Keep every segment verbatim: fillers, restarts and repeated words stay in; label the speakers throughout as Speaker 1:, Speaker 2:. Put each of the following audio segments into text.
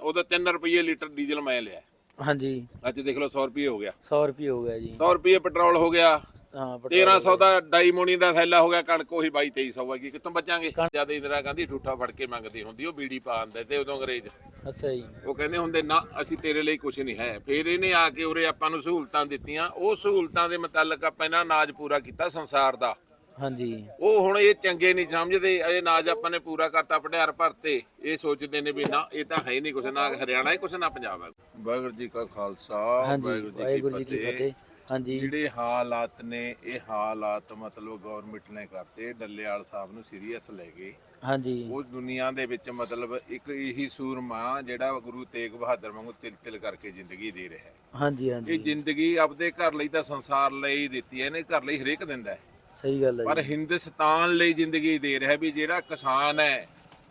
Speaker 1: ਉਹਦਾ ਤਿੰਨ ਰੁਪਏ ਲੀਟਰ ਡੀਜ਼ਲ ਮੈਂ ਲਿਆ।
Speaker 2: ਹਾਂਜੀ
Speaker 1: ਅੱਜ ਦੇਖ ਲਓ ਸੌ ਰੁਪਏ ਹੋ ਗਿਆ।
Speaker 2: ਸੌ ਰੁਪਏ ਹੋ ਗਿਆ ਜੀ।
Speaker 1: ਸੌ ਰੁਪਏ ਪੈਟਰੋਲ ਹੋ ਗਿਆ।
Speaker 2: ਹਾਂ
Speaker 1: ਤੇਰਾਂ ਸੌ ਦਾ ਡਾਈਮੋਨੀ ਦਾ ਥੈਲਾ ਹੋ ਗਿਆ। ਕਣਕ ਉਹੀ ਬਾਈ ਤੇਈ ਸੌ ਹੈਗੀ। ਕਿੱਥੋਂ ਬਚਾਂਗੇ? ਜਦ ਇੰਦਰਾ ਗਾਂਧੀ ਠੂਠਾ ਫੜ ਕੇ ਮੰਗਦੀ ਹੁੰਦੀ ਉਹ ਬੀੜੀ ਪਾ ਆਂਦੇ ਤੇ ਉਦੋਂ ਅੰਗਰੇਜ਼।
Speaker 2: ਅੱਛਾ ਜੀ।
Speaker 1: ਉਹ ਕਹਿੰਦੇ ਹੁੰਦੇ ਨਾ ਅਸੀਂ ਤੇਰੇ ਲਈ ਕੁਝ ਨਹੀਂ ਹੈ। ਫਿਰ ਇਹਨੇ ਆ ਕੇ ਉਰੇ ਆਪਾਂ ਨੂੰ ਸਹੂਲਤਾਂ ਦਿੱਤੀਆਂ। ਉਹ ਸਹੂਲਤਾਂ ਦੇ ਮੁਤਾਲਕ ਆਪਾਂ ਇਹਨਾਂ ਨਾਜ ਪੂਰਾ ਕੀਤਾ ਸੰਸਾਰ ਦਾ।
Speaker 2: ਹਾਂਜੀ
Speaker 1: ਉਹ ਹੁਣ ਇਹ ਚੰਗੇ ਨਹੀਂ ਸਮਝਦੇ। ਇਹ ਨਾਜ ਆਪਾਂ ਨੇ ਪੂਰਾ ਕਰਤਾ, ਭੰਡਾਰ ਭਰਤੇ। ਇਹ ਸੋਚਦੇ ਨੇ ਵੀ ਨਾ ਇਹ ਤਾਂ ਹੈ ਹੀ ਨਹੀਂ ਕੁਛ, ਨਾ ਹਰਿਆਣਾ ਹੈ ਕੁਛ, ਨਾ ਪੰਜਾਬ ਹੈ। ਵਾਹਿਗੁਰੂ ਜੀ ਕਾ ਖਾਲਸਾ
Speaker 2: ਵਾਹਿਗੁਰੂ ਜੀ ਕੀ ਫਤਿਹ। ਹਾਂਜੀ
Speaker 1: ਜਿਹੜੇ ਹਾਲਾਤ ਨੇ ਇਹ ਹਾਲਾਤ ਮਤਲਬ ਗਵਰਨਮੈਂਟ ਨੇ ਕਰਤੇ। ਡੱਲੇਵਾਲ ਸਾਹਿਬ ਨੂੰ ਸੀਰੀਅਸ ਲੈ ਗਏ।
Speaker 2: ਹਾਂਜੀ
Speaker 1: ਉਹ ਦੁਨੀਆ ਦੇ ਵਿੱਚ ਮਤਲਬ ਇੱਕ ਇਹੀ ਸੂਰਮਾ ਜਿਹੜਾ ਗੁਰੂ ਤੇਗ ਬਹਾਦਰ ਵਾਂਗੂ ਤਿਲ ਤਿਲ ਕਰਕੇ ਜ਼ਿੰਦਗੀ ਦੇ ਰਿਹਾ ਹੈ।
Speaker 2: ਹਾਂਜੀ ਹਾਂਜੀ
Speaker 1: ਇਹ ਜ਼ਿੰਦਗੀ ਆਪਦੇ ਘਰ ਲਈ ਤਾਂ ਸੰਸਾਰ ਲਈ ਦਿੱਤੀ ਹੈ। ਇਹਨੇ ਘਰ ਲਈ ਹਰੇਕ ਦਿੰਦਾ ਹੈ।
Speaker 2: ਸਹੀ ਗੱਲ ਹੈ।
Speaker 1: ਪਰ ਹਿੰਦੁਸਤਾਨ ਲਈ ਜ਼ਿੰਦਗੀ ਦੇ ਰਿਹਾ ਵੀ ਜਿਹੜਾ ਕਿਸਾਨ ਹੈ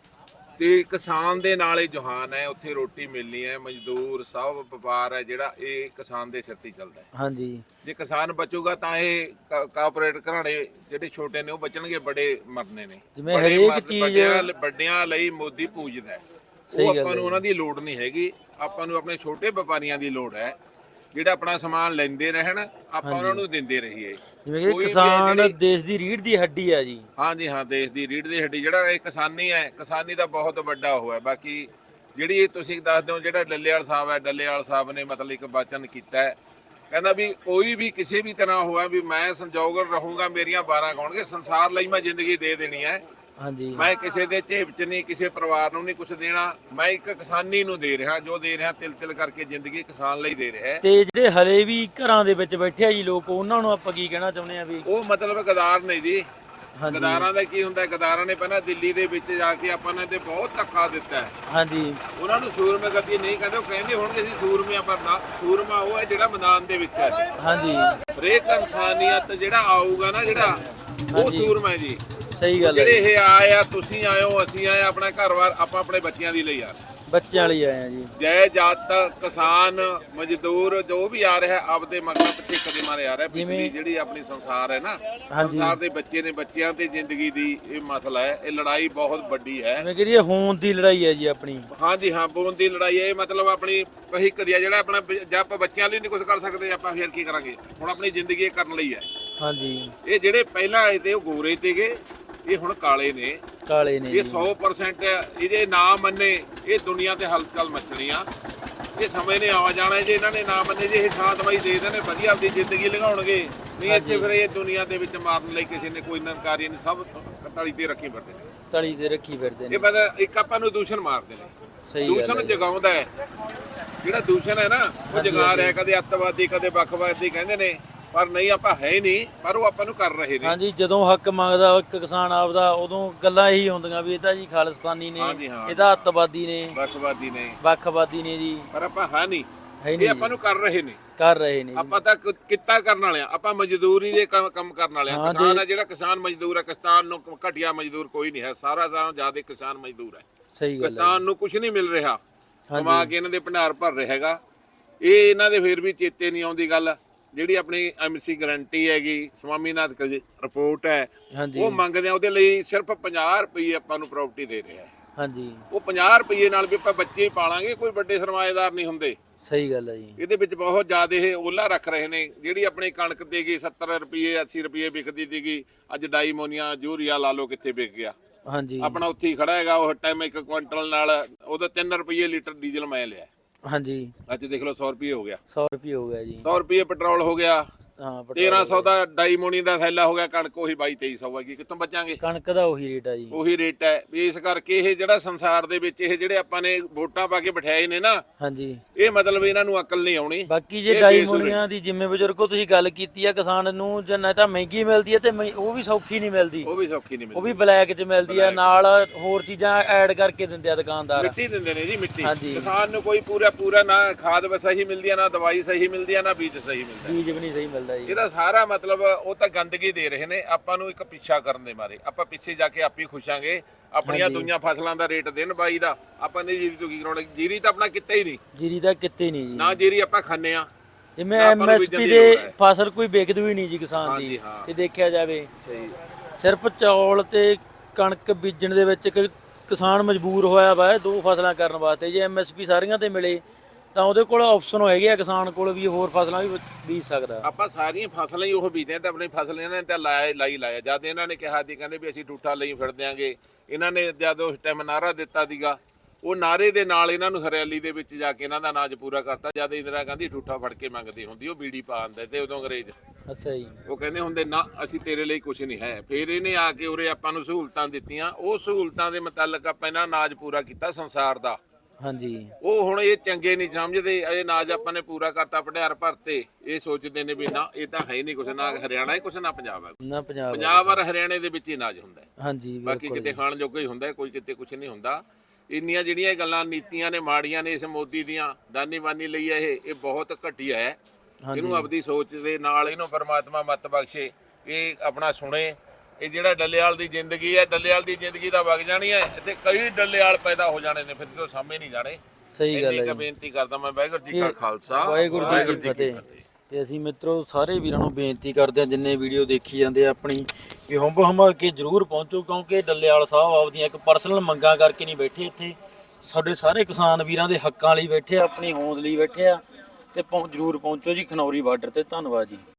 Speaker 1: ਤੇ ਕਿਸਾਨ ਦੇ ਨਾਲ ਹੀ ਜਹਾਨ ਹੈ। ਉੱਥੇ ਰੋਟੀ ਮਿਲਣੀ ਹੈ। ਮਜ਼ਦੂਰ ਸਭ ਵਪਾਰ ਹੈ ਜਿਹੜਾ ਇਹ ਕਿਸਾਨ ਦੇ ਸਿਰ ਤੇ ਚੱਲਦਾ ਹੈ।
Speaker 2: ਹਾਂਜੀ
Speaker 1: ਜੇ ਕਿਸਾਨ ਬਚੂਗਾ ਤਾਂ ਇਹ ਕਾਰਪੋਰੇਟ ਘਰਾਣੇ ਜਿਹੜੇ ਛੋਟੇ ਨੇ ਉਹ ਬਚਣਗੇ, ਬੜੇ ਮਰਨੇ ਨੇ।
Speaker 2: ਜਿਵੇਂ ਹਰੇਕ ਚੀਜ਼
Speaker 1: ਵੱਡਿਆਂ ਵੱਡਿਆਂ ਲਈ ਮੋਦੀ ਪੂਜਦਾ ਹੈ। ਉਹ ਆਪਾਂ ਨੂੰ ਉਹਨਾਂ ਦੀ ਲੋੜ ਨਹੀਂ ਹੈਗੀ। ਆਪਾਂ ਨੂੰ ਆਪਣੇ ਛੋਟੇ ਵਪਾਰੀਆਂ ਦੀ ਲੋੜ ਹੈ ਜਿਹੜਾ ਆਪਣਾ ਸਮਾਨ ਲੈਂਦੇ ਰਹਿਣ, ਆਪਾਂ ਉਹਨਾਂ ਨੂੰ ਦਿੰਦੇ ਰਹੀਏ।
Speaker 2: ਜਿਵੇਂ ਕਿ ਕਿਸਾਨ ਦੇਸ਼ ਦੀ ਰੀੜ੍ਹ ਦੀ ਹੱਡੀ ਆ ਜੀ।
Speaker 1: ਹਾਂਜੀ ਹਾਂ, ਦੇਸ਼ ਦੀ ਰੀੜ੍ਹ ਦੀ ਹੱਡੀ। ਜਿਹੜਾ ਇਹ ਕਿਸਾਨੀ ਹੈ, ਕਿਸਾਨੀ ਦਾ ਬਹੁਤ ਵੱਡਾ ਉਹ ਹੈ। ਬਾਕੀ ਜਿਹੜੀ ਇਹ ਤੁਸੀਂ ਦੱਸਦੇ ਹੋ ਜਿਹੜਾ ਡੱਲੇਵਾਲ ਸਾਹਿਬ ਹੈ, ਡੱਲੇਵਾਲ ਸਾਹਿਬ ਨੇ ਮਤਲਬ ਇੱਕ ਵਚਨ ਕੀਤਾ ਹੈ। ਕਹਿੰਦਾ ਵੀ ਕੋਈ ਵੀ ਕਿਸੇ ਵੀ ਤਰ੍ਹਾਂ ਹੋਇਆ ਵੀ ਮੈਂ ਸੰਜੋਗ ਰਹੂੰਗਾ, ਮੇਰੀਆਂ ਬਾਰਾਂ ਗਾਉਣਗੇ, ਸੰਸਾਰ ਲਈ ਮੈਂ ਜ਼ਿੰਦਗੀ ਦੇ ਦੇਣੀ ਹੈ।
Speaker 2: ਹਾਂਜੀ
Speaker 1: ਮੈਂ ਕਿਸੇ ਦੇ ਝੇਪ 'ਚ ਨਹੀਂ, ਕਿਸੇ ਪਰਿਵਾਰ ਨੂੰ ਨਹੀਂ ਕੁਝ ਦੇਣਾ। ਮੈਂ ਇੱਕ ਕਿਸਾਨੀ ਨੂੰ ਦੇ ਰਿਹਾ, ਜੋ ਦੇ ਰਿਹਾ ਤਿਲ ਤਿਲ ਕਰਕੇ ਜ਼ਿੰਦਗੀ ਕਿਸਾਨ ਲਈ ਦੇ ਰਿਹਾ।
Speaker 2: ਤੇ ਜਿਹੜੇ ਹਲੇ ਵੀ ਘਰਾਂ ਦੇ ਵਿੱਚ ਬੈਠੇ ਆ ਜੀ ਲੋਕ, ਉਹਨਾਂ ਨੂੰ ਆਪਾਂ ਕੀ ਕਹਿਣਾ ਚਾਹੁੰਦੇ ਆ ਵੀ
Speaker 1: ਉਹ ਮਤਲਬ ਗਦਾਰ ਨੇ ਜੀ। ਗਦਾਰਾਂ ਦਾ ਕੀ ਹੁੰਦਾ? ਗਦਾਰਾਂ ਨੇ ਪਹਿਲਾਂ ਦਿੱਲੀ ਦੇ ਵਿੱਚ ਜਾ ਕੇ ਆਪਾਂ ਨੇ ਤੇ ਬਹੁਤ ਧੱਕਾ ਦਿੱਤਾ ਹੈ।
Speaker 2: ਹਾਂਜੀ
Speaker 1: ਉਹਨਾਂ ਨੂੰ ਸੂਰਮੇ ਗੱਦੀ ਨਹੀਂ ਕਹਿੰਦੇ। ਉਹ ਕਹਿੰਦੇ ਹੋਣਗੇ ਅਸੀਂ ਸੂਰਮੇ ਆ, ਪਰ ਨਾ, ਸੂਰਮਾ ਉਹ ਹੈ ਜਿਹੜਾ ਮੈਦਾਨ ਦੇ ਵਿੱਚ ਹੈ।
Speaker 2: ਹਾਂਜੀ
Speaker 1: ਹਰੇਕ ਇਨਸਾਨੀਅਤ ਜਿਹੜਾ ਆਊਗਾ ਨਾ ਜਿਹੜਾ, ਉਹ ਸੂਰਮਾ ਹੈ ਜੀ।
Speaker 2: ਸਹੀ ਗੱਲ ਹੈ।
Speaker 1: ਜਿਹੜੇ ਇਹ ਆਏ ਆ, ਤੁਸੀਂ ਆਏ ਹੋ, ਅਸੀਂ ਆਏ, ਆਪਣਾ ਘਰ-ਬਾਰ ਆਪਾਂ ਆਪਣੇ ਬੱਚਿਆਂ ਦੀ ਲਈ ਆ,
Speaker 2: ਬੱਚਿਆਂ ਲਈ ਆਏ ਆ ਜੀ।
Speaker 1: ਜੈ ਜਾਤ ਕਿਸਾਨ ਮਜ਼ਦੂਰ ਜੋ ਵੀ ਆ ਰਿਹਾ ਆਪਦੇ ਮਗਰ ਪਿੱਛੇ ਕਦੇ ਮਾਰੇ ਆ ਰਿਹਾ। ਪਿਛਲੀ ਜਿਹੜੀ ਆਪਣੀ ਸੰਸਾਰ ਹੈ ਨਾ, ਸੰਸਾਰ ਦੇ ਬੱਚੇ ਨੇ, ਬੱਚਿਆਂ ਤੇ ਜ਼ਿੰਦਗੀ ਦੀ ਇਹ ਮਸਲਾ ਹੈ। ਇਹ ਲੜਾਈ ਬਹੁਤ ਵੱਡੀ ਹੈ।
Speaker 2: ਮੈਂ ਕਹਿੰਦੀ ਹੋਂਦ ਦੀ ਲੜਾਈ ਹੈ ਜੀ ਆਪਣੀ।
Speaker 1: ਹਾਂਜੀ ਹਾਂ, ਹੋਂਦ ਦੀ ਲੜਾਈ ਹੈ। ਇਹ ਮਤਲਬ ਆਪਣੀ ਭਵਿੱਖ ਦੀ ਹੈ ਜਿਹੜਾ ਆਪਣਾ। ਜੇ ਆਪਾਂ ਬੱਚਿਆਂ ਲਈ ਨਹੀਂ ਕੁਝ ਕਰ ਸਕਦੇ ਆਪਾਂ ਫਿਰ ਕੀ ਕਰਾਂਗੇ? ਹੁਣ ਆਪਣੀ ਜ਼ਿੰਦਗੀ ਇਹ ਕਰਨ ਲਈ ਹੈ।
Speaker 2: ਹਾਂਜੀ ਇਹ
Speaker 1: ਜਿਹੜੇ ਪਹਿਲਾਂ ਆਏ ਤੇ ਉਹ ਗੋਰੇ ਤੇਗੇ, ਇਹ ਹੁਣ ਕਾਲੇ ਨੇ।
Speaker 2: ਕਾਲੇ ਨੇ
Speaker 1: ਇਹ ਸੌ ਪਰਸੈਂਟ ਇਹਦੇ ਨਾ ਮੰਨੇ ਇਹ ਦੁਨੀਆ ਤੇ ਹਲਚਲ ਮਚਣੀ ਆ। ਇਹ ਸਮੇਂ ਨੇ ਆ ਜਾਣਾ ਜੇ ਇਹਨਾਂ ਨੇ ਨਾ ਮੰਨੇ। ਜੇ ਇਹ ਸ਼ਾਂਤਮਈ ਦੇ ਦੇਣੇ, ਵਧੀਆ ਆਪਣੀ ਜ਼ਿੰਦਗੀ ਲੰਘਾਉਣਗੇ। ਨਹੀਂ ਇੱਥੇ ਫਿਰ ਇਹ ਦੁਨੀਆ ਦੇ ਵਿੱਚ ਮਾਰਨ ਲਈ ਕਿਸੇ ਨੇ ਕੋਈ ਨਨਕਾਰੀ ਨਹੀਂ। ਸਭ ਤਲੀ ਤੇ ਰੱਖੀ ਫਿਰਦੇ ਨੇ,
Speaker 2: ਤਲੀ ਤੇ ਰੱਖੀ ਫਿਰਦੇ ਨੇ।
Speaker 1: ਇਹ ਪਤਾ ਇੱਕ ਆਪਾਂ ਨੂੰ ਦੂਸ਼ਣ ਮਾਰਦੇ ਨੇ।
Speaker 2: ਸਹੀ
Speaker 1: ਦੂਸ਼ਣ ਜਗਾਉਂਦਾ ਹੈ ਜਿਹੜਾ ਦੂਸ਼ਣ ਹੈ ਨਾ, ਉਹ ਜਗਾ ਰਿਹਾ। ਕਦੇ ਅੱਤਵਾਦੀ, ਕਦੇ ਵੱਖਵਾਦੀ ਕਹਿੰਦੇ ਨੇ, ਪਰ ਨਹੀਂ ਆਪਾਂ ਹੈ ਹੀ ਨਹੀਂ। ਪਰ ਉਹ ਆਪਾਂ ਨੂੰ ਕਰ ਰਹੇ ਨੇ।
Speaker 2: ਹਾਂਜੀ ਜਦੋਂ ਹੱਕ ਮੰਗਦਾ ਇੱਕ ਕਿਸਾਨ ਆਪਦਾ, ਉਦੋਂ ਗੱਲਾਂ ਇਹੀ ਹੁੰਦੀਆਂ ਵੀ ਇਹ ਤਾਂ ਜੀ ਖਾਲਿਸਤਾਨੀ ਨੇ, ਇਹ ਤਾਂ ਅੱਤਵਾਦੀ ਨੇ,
Speaker 1: ਵੱਖਵਾਦੀ ਨੇ,
Speaker 2: ਵੱਖਵਾਦੀ ਨੇ ਜੀ।
Speaker 1: ਪਰ ਆਪਾਂ ਹੈ ਨਹੀਂ।
Speaker 2: ਹੈ
Speaker 1: ਇਹ ਆਪਾਂ ਨੂੰ ਕਰ ਰਹੇ ਨੇ,
Speaker 2: ਕਰ ਰਹੇ ਨੇ।
Speaker 1: ਆਪਾਂ ਤਾਂ ਕਿੱਤਾ ਕਰਨ ਵਾਲੇ ਆ। ਆਪਾਂ ਮਜ਼ਦੂਰੀ ਦੇ ਕੰਮ ਕਰਨ ਵਾਲੇ ਆ। ਕਿਸਾਨ ਹੈ ਜਿਹੜਾ ਕਿਸਾਨ ਮਜ਼ਦੂਰ ਹੈ। ਕਿਸਾਨ ਨੂੰ ਘਟੀਆ ਮਜ਼ਦੂਰ ਕੋਈ ਨਹੀਂ ਹੈ। ਸਾਰਾ ਸਾਰਾ ਜ਼ਿਆਦਾ ਕਿਸਾਨ ਮਜ਼ਦੂਰ ਹੈ।
Speaker 2: ਸਹੀ ਗੱਲ ਹੈ।
Speaker 1: ਕਿਸਾਨ ਨੂੰ ਕੁਝ ਨਹੀਂ ਮਿਲ ਰਿਹਾ, ਕਮਾ ਕੇ ਇਹਨਾਂ ਦੇ ਭੰਡਾਰ ਭਰ ਰਿਹਾ ਹੈਗਾ। ਇਹ ਇਹਨਾਂ ਦੇ ਫਿਰ ਵੀ ਚੇਤੇ ਨਹੀਂ ਆਉਂਦੀ ਗੱਲ। ਜਿਹੜੀ ਆਪਣੀ ਐਮਸੀ ਗਰੰਟੀ ਹੈਗੀ, ਸਵਾਮੀਨਾਥਨ ਦੀ ਰਿਪੋਰਟ ਹੈ, ਉਹ ਮੰਗਦੇ ਆ। ਉਹਦੇ ਲਈ ਸਿਰਫ ਪੰਜਾਹ ਰੁਪਏ ਆਪਾਂ ਨੂੰ ਪ੍ਰਾਪਰਟੀ ਦੇ ਰਿਹਾ ਹੈ।
Speaker 2: ਹਾਂਜੀ
Speaker 1: ਉਹ ਪੰਜਾਹ ਰੁਪਏ ਨਾਲ ਵੀ ਆਪਾਂ ਬੱਚੇ ਹੀ ਪਾਲਾਂਗੇ। ਕੋਈ ਵੱਡੇ ਸਰਮਾਏਦਾਰ ਨਹੀਂ ਹੁੰਦੇ।
Speaker 2: ਸਹੀ ਗੱਲ ਹੈ ਜੀ।
Speaker 1: ਇਹਦੇ ਵਿੱਚ ਬਹੁਤ ਜ਼ਿਆਦਾ ਇਹ ਓਲਾ ਰੱਖ ਰਹੇ ਨੇ। ਜਿਹੜੀ ਆਪਣੀ ਕਣਕ ਦੇਗੀ ਸੱਤਰ ਰੁਪਏ ਅੱਸੀ ਰੁਪਏ ਵਿਕਦੀ ਸੀਗੀ, ਅੱਜ ਡਾਈਮੋਨੀਆ ਯੂਰੀਆ ਲਾ ਲਓ ਕਿੱਥੇ ਵਿਕ ਗਿਆ।
Speaker 2: ਹਾਂਜੀ
Speaker 1: ਆਪਣਾ ਉੱਥੇ ਹੀ ਖੜਾ ਹੈਗਾ। ਉਹ ਟਾਈਮ ਇੱਕ ਕੁਇੰਟਲ ਨਾਲ ਉਹਦਾ ਤਿੰਨ ਰੁਪਏ ਲੀਟਰ ਡੀਜ਼ਲ ਮੈਂ ਲਿਆ।
Speaker 2: ਹਾਂਜੀ
Speaker 1: ਅੱਜ ਦੇਖ ਲਓ ਸੌ ਰੁਪਏ ਹੋ ਗਿਆ।
Speaker 2: ਸੌ ਰੁਪਏ ਹੋ ਗਿਆ ਜੀ।
Speaker 1: ਸੌ ਰੁਪਏ ਪੈਟਰੋਲ ਹੋ ਗਿਆ।
Speaker 2: ਹਾਂ
Speaker 1: ਤੇਰਾਂ ਸੌ ਦਾ ਡਾਈਮੋਨੀ ਦਾ ਥੈਲਾ ਹੋ ਗਿਆ। ਕਣਕ ਉਹੀ ਬਾਈ ਤੇਈ ਸੌ ਹੈਗੀ। ਕਿੱਥੋਂ ਬਚਾਂਗੇ?
Speaker 2: ਕਣਕ ਦਾ ਉਹੀ ਰੇਟ ਆ ਜੀ।
Speaker 1: ਉਹੀ ਰੇਟ ਹੈ। ਇਸ ਕਰਕੇ ਇਹ ਜਿਹੜਾ ਸੰਸਾਰ ਦੇ ਵਿੱਚ ਇਹ ਜਿਹੜੇ ਆਪਾਂ ਨੇ ਵੋਟਾਂ ਪਾ ਕੇ ਬਿਠਾਏ ਨੇ ਨਾ,
Speaker 2: ਹਾਂਜੀ,
Speaker 1: ਇਹ ਮਤਲਬ ਇਹਨਾਂ ਨੂੰ ਅਕਲ ਨਹੀਂ ਆਉਣੀ।
Speaker 2: ਬਾਕੀ ਜੇ ਡਾਈਮੋਨੀਆਂ ਦੀ ਜਿਵੇਂ ਬਜ਼ੁਰਗੋ ਤੁਸੀਂ ਗੱਲ ਕੀਤੀ ਆ, ਕਿਸਾਨ ਨੂੰ ਜੇ ਨਾ ਤਾਂ ਮਹਿੰਗੀ ਮਿਲਦੀ ਹੈ ਤੇ ਉਹ ਵੀ ਸੌਖੀ ਨਹੀਂ ਮਿਲਦੀ।
Speaker 1: ਉਹ ਵੀ ਸੌਖੀ ਨਹੀਂ ਮਿਲਦੀ।
Speaker 2: ਉਹ ਵੀ ਬਲੈਕ 'ਚ ਮਿਲਦੀ ਆ। ਨਾਲ ਹੋਰ ਚੀਜ਼ਾਂ ਐਡ ਕਰਕੇ ਦਿੰਦੇ ਆ ਦੁਕਾਨਦਾਰ।
Speaker 1: ਮਿੱਟੀ ਦਿੰਦੇ ਨੇ ਜੀ, ਮਿੱਟੀ। ਕਿਸਾਨ ਨੂੰ ਕੋਈ ਪੂਰਾ ਪੂਰਾ ਨਾ ਖਾਦ ਸਹੀ ਮਿਲਦੀ ਹੈ, ਨਾ ਦਵਾਈ ਸਹੀ ਮਿਲਦੀ ਹੈ, ਨਾ ਬੀਜ ਸਹੀ ਮਿਲਦਾ।
Speaker 2: ਬੀਜ ਵੀ ਨਹੀਂ ਸਹੀ ਮਿਲਦਾ ਜੀ।
Speaker 1: ਇਹਦਾ ਸਾਰਾ ਮਤਲਬ ਉਹ ਤਾਂ ਗੰਦਗੀ ਦੇ ਰਹੇ ਨੇ ਆਪਾਂ ਨੂੰ। ਇੱਕ ਪਿੱਛਾ ਕਰਨ ਦੇ ਮਾਰੇ ਆਪਾਂ ਪਿੱਛੇ ਜਾ ਕੇ ਆਪ ਹੀ ਖੁਸ਼ਾਂਗੇ। ਆਪਣੀਆਂ ਦੁਨੀਆਂ ਫਸਲਾਂ ਦਾ ਰੇਟ ਦੇਣ ਬਾਈ ਦਾ। ਆਪਾਂ ਨੇ ਜੀਰੀ ਤੋਂ ਕੀ ਕਰਾਉਣਾ? ਜੀਰੀ ਤਾਂ ਆਪਣਾ ਕਿੱਤਾ ਹੀ ਨਹੀਂ।
Speaker 2: ਜੀਰੀ ਦਾ ਕਿੱਤੇ ਨਹੀਂ ਜੀ।
Speaker 1: ਨਾ ਜੀਰੀ ਆਪਾਂ ਖਾਂਦੇ ਆ।
Speaker 2: ਜਿਵੇਂ ਐਮਐਸਪੀ ਦੇ ਫਸਲ ਕੋਈ ਵਿਕਦੀ ਵੀ ਨਹੀਂ ਜੀ ਕਿਸਾਨ ਦੀ। ਇਹ ਦੇਖਿਆ ਜਾਵੇ,
Speaker 1: ਸਹੀ।
Speaker 2: ਸਿਰਫ ਚੌਲ ਤੇ ਕਣਕ ਬੀਜਣ ਦੇ ਵਿੱਚ ਕਿਸਾਨ ਮਜਬੂਰ ਹੋਇਆ ਵਾ ਇਹ ਦੋ ਫਸਲਾਂ ਕਰਨ ਵਾਸਤੇ। ਜੇ ਐਮਐਸਪੀ ਸਾਰੀਆਂ ਤੇ ਮਿਲੇ ਤਾਂ ਉਹਦੇ ਕੋਲ ਆਪਸ਼ਨ ਹੈਗੇ ਆ ਕਿਸਾਨ ਕੋਲ ਵੀ ਹੋਰ ਫਸਲਾਂ ਵੀ ਬੀਜ ਸਕਦਾ।
Speaker 1: ਆਪਾਂ ਸਾਰੀਆਂ ਫਸਲਾਂ ਹੀ ਉਹ ਬੀਜਦੇ ਤਾਂ ਆਪਣੀ ਫਸਲ ਇਹਨਾਂ ਨੇ ਤਾਂ ਲਾਇਆ ਲਾਈ ਲਾਇਆ। ਜਦ ਇਹਨਾਂ ਨੇ ਕਿਹਾ ਸੀ ਕਹਿੰਦੇ ਵੀ ਅਸੀਂ ਠੂਠਾ ਲਈ ਫਿਰ ਦਿਆਂਗੇ, ਇਹਨਾਂ ਨੇ ਜਦ ਉਸ ਟਾਈਮ ਨਾਅਰਾ ਦਿੱਤਾ ਸੀਗਾ, ਉਹ ਨਾਅਰੇ ਦੇ ਨਾਲ ਇਹਨਾਂ ਨੂੰ ਹਰਿਆਲੀ ਦੇ ਵਿੱਚ ਜਾ ਕੇ ਇਹਨਾਂ ਦਾ ਅਨਾਜ ਪੂਰਾ ਕਰਤਾ। ਜਦ ਇੰਦਰਾ ਗਾਂਧੀ ਠੂਠਾ ਫੜ ਕੇ ਮੰਗਦੀ ਹੁੰਦੀ, ਉਹ ਬੀੜੀ ਪਾ ਆਂਦੇ ਤੇ ਉਦੋਂ ਅੰਗਰੇਜ਼
Speaker 2: ਅੱਛਾ ਜੀ,
Speaker 1: ਉਹ ਕਹਿੰਦੇ ਹੁੰਦੇ ਨਾ ਅਸੀਂ ਤੇਰੇ ਲਈ ਕੁਝ ਨਹੀਂ ਹੈ। ਫਿਰ ਇਹਨੇ ਆ ਕੇ ਉਰੇ ਆਪਾਂ ਨੂੰ ਸਹੂਲਤਾਂ ਦਿੱਤੀਆਂ, ਉਹ ਸਹੂਲਤਾਂ ਦੇ ਮੁਤਾਲਕ ਆਪਾਂ ਇਹਨਾਂ ਅਨਾਜ ਪੂਰਾ ਕੀਤਾ ਸੰਸਾਰ ਦਾ।
Speaker 2: ਹਾਂਜੀ,
Speaker 1: ਉਹ ਹੁਣ ਇਹ ਚੰਗੇ ਨਹੀਂ ਸਮਝਦੇ, ਇਹ ਅਨਾਜ ਆਪਾਂ ਨੇ ਪੂਰਾ ਕਰਤਾ ਭੰਡਾਰ ਭਰਤੇ, ਇਹ ਸੋਚਦੇ ਨੇ ਵੀ ਨਾ ਇਹ ਤਾਂ ਹੈ ਹੀ ਨਹੀਂ ਕੁਛ, ਨਾ ਹਰਿਆਣਾ ਹੈ ਕੁਛ, ਨਾ ਪੰਜਾਬ ਹੈ।
Speaker 2: ਨਾ ਪੰਜਾਬ
Speaker 1: ਪੰਜਾਬ ਔਰ ਹਰਿਆਣੇ ਦੇ ਵਿੱਚ ਹੀ ਅਨਾਜ ਹੁੰਦਾ ਹੈ,
Speaker 2: ਹਾਂਜੀ
Speaker 1: ਬਾਕੀ ਕਿਤੇ ਖਾਣ ਜੋਗਾ ਹੀ ਹੁੰਦਾ, ਕੋਈ ਕਿਤੇ ਕੁਛ ਨਹੀਂ ਹੁੰਦਾ। ਇੰਨੀਆਂ ਜਿਹੜੀਆਂ ਇਹ ਗੱਲਾਂ ਨੀਤੀਆਂ ਨੇ ਮਾੜੀਆਂ ਨੇ ਇਸ ਮੋਦੀ ਦੀਆਂ, ਦਾਨੀ ਬਾਨੀ ਲਈ ਇਹ ਇਹ ਬਹੁਤ ਘਟੀਆ ਹੈ। ਇਹਨੂੰ ਆਪਦੀ ਸੋਚ ਦੇ ਨਾਲ ਇਹਨੂੰ ਪਰਮਾਤਮਾ ਮੱਤ ਬਖਸ਼ੇ, ਇਹ ਆਪਣਾ ਸੁਣੇ। ਇਹ ਜਿਹੜਾ ਡੱਲੇਵਾਲ ਦੀ ਜ਼ਿੰਦਗੀ ਹੈ, ਡੱਲੇਵਾਲ ਦੀ ਜ਼ਿੰਦਗੀ ਤਾਂ ਵਗ ਜਾਣੀ ਹੈ, ਇੱਥੇ ਕਈ ਡੱਲੇਵਾਲ ਪੈਦਾ ਹੋ ਜਾਣੇ ਨੇ, ਫਿਰ ਤੋਂ ਸਾਹਮਣੇ ਨਹੀਂ ਜਾਣੇ।
Speaker 2: ਸਹੀ ਗੱਲ ਹੈ
Speaker 1: ਇੰਨੀ ਕੁ ਬੇਨਤੀ ਕਰਦਾ ਮੈਂ, ਵਾਹਿਗੁਰੂ ਜੀ ਕਾ ਖਾਲਸਾ
Speaker 2: ਵਾਹਿਗੁਰੂ ਜੀ ਕੀ ਫਤਿਹ। ਤੇ ਅਸੀਂ ਮਿੱਤਰੋ ਸਾਰੇ ਵੀਰਾਂ ਨੂੰ ਬੇਨਤੀ ਕਰਦੇ ਹਾਂ ਜਿੰਨੇ ਵੀਡੀਓ ਦੇਖੀ ਜਾਂਦੇ ਆ ਆਪਣੀ ਵੀ ਹੁੰਬ ਹੰਬਾ ਕੇ ਜ਼ਰੂਰ ਪਹੁੰਚੋ, ਕਿਉਂਕਿ ਡੱਲੇਵਾਲ ਸਾਹਿਬ ਆਪਦੀਆਂ ਇੱਕ ਪਰਸਨਲ ਮੰਗਾਂ ਕਰਕੇ ਨਹੀਂ ਬੈਠੇ ਇੱਥੇ, ਸਾਡੇ ਸਾਰੇ ਕਿਸਾਨ ਵੀਰਾਂ ਦੇ ਹੱਕਾਂ ਲਈ ਬੈਠੇ ਆ, ਆਪਣੀ ਹੋਂਦ ਲਈ ਬੈਠੇ ਆ। ਤੇ ਪਹੁੰ ਜ਼ਰੂਰ ਪਹੁੰਚੋ ਜੀ ਖਨੌਰੀ ਬਾਰਡਰ ਤੇ। ਧੰਨਵਾਦ ਜੀ।